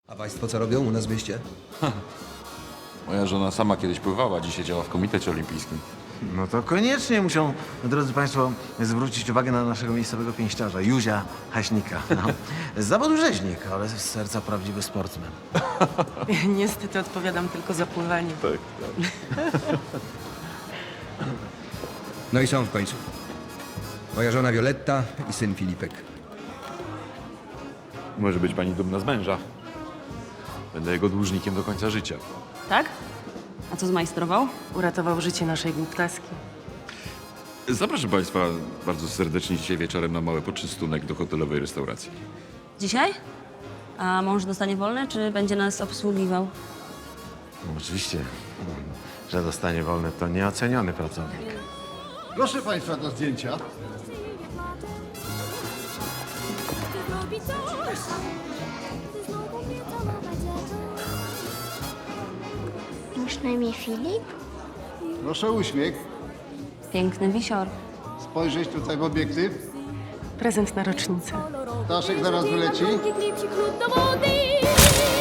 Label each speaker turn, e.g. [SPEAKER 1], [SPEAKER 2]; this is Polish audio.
[SPEAKER 1] A państwo co robią u nas w mieście?
[SPEAKER 2] Moja żona sama kiedyś pływała, dzisiaj działa w Komitecie Olimpijskim.
[SPEAKER 3] No to koniecznie muszą, drodzy Państwo, zwrócić uwagę na naszego miejscowego pięściarza, Józia Haśnika. No. Z zawodu rzeźnik, ale z serca prawdziwy sportsmen.
[SPEAKER 4] Niestety odpowiadam tylko za pływanie.
[SPEAKER 2] Tak.
[SPEAKER 1] No i są w końcu. Moja żona Violetta i syn Filipek.
[SPEAKER 2] Może być pani dumna z męża. Będę jego dłużnikiem do końca życia.
[SPEAKER 5] Tak? A co zmajstrował?
[SPEAKER 4] Uratował życie naszej głuptaski.
[SPEAKER 2] Zapraszam państwa bardzo serdecznie dzisiaj wieczorem na mały poczystunek do hotelowej restauracji.
[SPEAKER 5] Dzisiaj? A mąż dostanie wolne, czy będzie nas obsługiwał?
[SPEAKER 3] No, oczywiście, że dostanie wolne, to nieoceniony pracownik.
[SPEAKER 6] Proszę Państwa do zdjęcia.
[SPEAKER 7] Masz na imię Filip?
[SPEAKER 6] Proszę uśmiech.
[SPEAKER 5] Piękny wisior.
[SPEAKER 6] Spojrzeć tutaj w obiektyw.
[SPEAKER 4] Prezent na rocznicę.
[SPEAKER 6] Ptaszek zaraz wyleci.
[SPEAKER 7] Klipsik lód do wody.